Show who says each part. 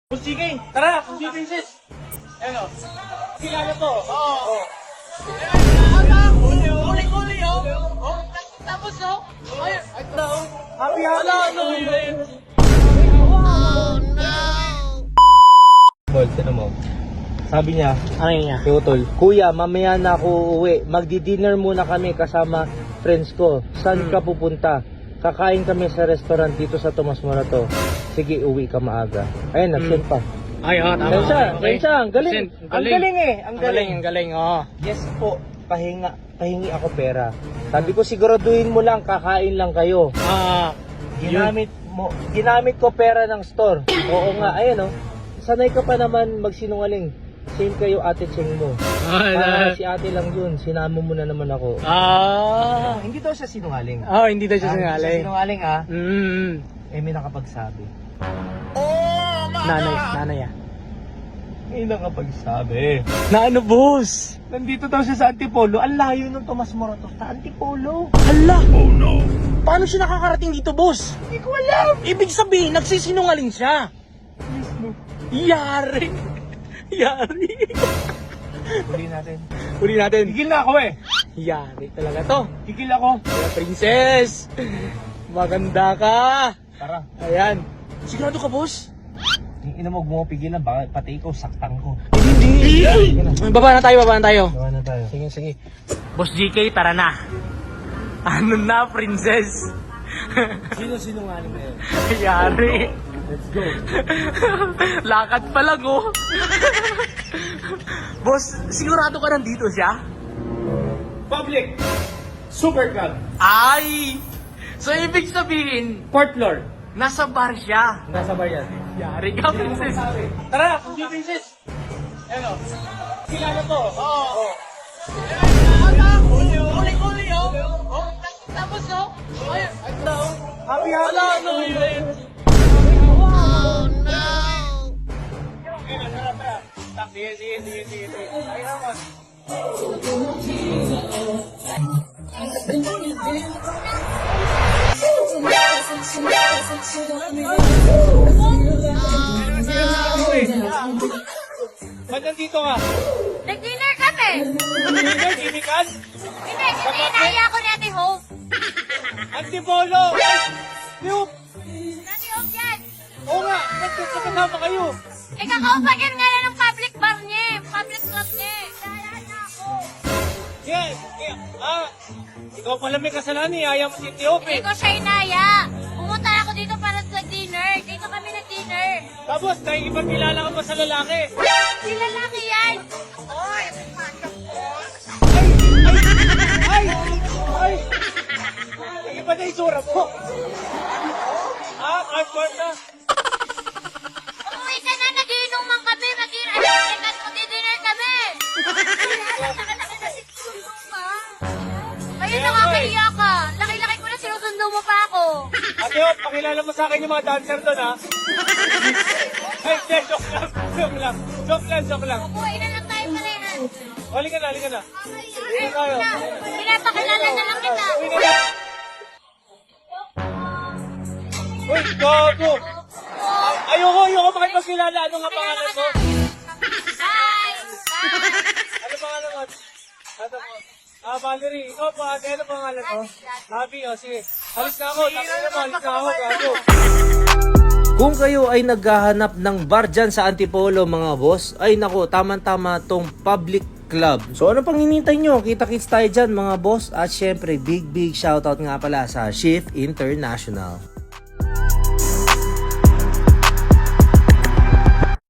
Speaker 1: Sige, tara, sige sis. Ano? Kilala to. Oo. Kuli-kuli, oh. Tapos, oh. Ay, ito. Happy.
Speaker 2: Bolt, ano mo? Sabi niya,
Speaker 1: Ano yun niya?
Speaker 2: kay Utol, Kuya, mamaya na ako uuwi. Magdi-dinner muna kami kasama friends ko. Saan ka pupunta? Kakain kami sa restaurant dito sa Tomas Morato. Sige, uwi ka maaga. Ayun, nag-send pa.
Speaker 1: Ay, tama.
Speaker 2: Kensya, ang galing. Ang galing eh. Ang galing.
Speaker 1: Oh.
Speaker 2: Yes po, pahingi ako pera. Sabi ko, siguraduhin mo lang, kakain lang kayo. Ginamit ko pera ng store. Oo nga, ayun oh. Sanay ka pa naman magsinungaling. Same kayo ate Cheng mo. Si ate lang yun, sinama mo na naman ako. Hindi daw siya sinungaling.
Speaker 1: Hindi daw siya sinungaling.
Speaker 2: Sinungaling ah.
Speaker 1: Mm.
Speaker 2: May nakapagsabi.
Speaker 1: Nanay.
Speaker 2: May nakapagsabi.
Speaker 1: Na ano, boss?
Speaker 2: Nandito daw siya sa Antipolo. Ang layo ng Tomas Morato sa Antipolo.
Speaker 1: Hala! Oh no! Paano siya nakakarating dito, boss?
Speaker 2: Hindi ko alam.
Speaker 1: Ibig sabihin, nagsisinungaling siya. Yari! Huli natin.
Speaker 2: Tigil na ako eh.
Speaker 1: Yari talaga to.
Speaker 2: Tigil ako.
Speaker 1: Kaya princess! Maganda ka!
Speaker 2: Tara.
Speaker 1: Ayan. Sigurado ka, boss?
Speaker 2: Yung ina mo, pigilan. Baka pati ikaw, saktang ko.
Speaker 1: Hindi! Baba na tayo.
Speaker 2: Gawa na tayo.
Speaker 1: Sige. Boss GK, tara na. Ano na, princess?
Speaker 2: Sino sinungaling na yun?
Speaker 1: Yari.
Speaker 2: Let's go.
Speaker 1: Lakad pa lang, oh. Boss, sigurado ka nandito siya?
Speaker 2: Public. Super Club.
Speaker 1: Ay! So, ibig sabihin,
Speaker 2: Fourth floor.
Speaker 1: nasa bar siya.
Speaker 2: Nasa bar yan.
Speaker 1: Yari ka, princess.
Speaker 2: Tara, hindi princess. Ano? Kilala to. Oo.
Speaker 1: Kuli-kuli, oh. Tapos, oh. Ay, ito.
Speaker 2: Happy.
Speaker 1: Ano yun?
Speaker 2: Sige. Ay, naman. Ba't nandito ka?
Speaker 3: Nag-dinner kami.
Speaker 2: Dinner, gimikan?
Speaker 3: Hindi, naya ako ni Ate Hope.
Speaker 2: Antipolo! Yup!
Speaker 3: Ate Hope yan.
Speaker 2: Oo nga, nagkasama kayo.
Speaker 3: Kakaupagan nga na ng public bar niya. Public club niya. Naya na ako.
Speaker 2: Yes! Ikaw pala may kasalanan eh. Ayaw mo si
Speaker 3: Hindi
Speaker 2: Ethiopia.
Speaker 3: ko siya inaya. Pumunta ako dito para sa dinner. Dito kami nag-dinner.
Speaker 2: Tapos, nakikipagkilala ka pa sa lalaki.
Speaker 3: Si lalaki yan.
Speaker 2: Ay! Iba na isura mo. Hardcore na.
Speaker 3: Umuwi ka na, nagiinuman kami. Mag-dinner kami. Ayun, nakakahiya ka. Laki-laki ko na sinusundo mo pa ako.
Speaker 2: Ate Hop, pakilala mo sa akin yung mga dancer doon ha. Ay, joke lang.
Speaker 3: Umuwi na lang tayo pala yan.
Speaker 2: Halika na.
Speaker 3: Pinapakilala na lang kita.
Speaker 2: Uy, gago! Ayoko makipagkilala. Ano nga pangalan mo?
Speaker 3: Bye!
Speaker 2: Ano pangalan mo? Valerie. Ikaw po, ate. Ano pangalan mo? Happy, sige. Halis na ako. Gago. Kung kayo ay naghahanap ng bar dyan sa Antipolo mga boss, ay nako, tama-tama tong public club. So ano pang hinintay nyo? Kita-kits tayo dyan mga boss. At syempre, big shoutout nga pala sa Shift International.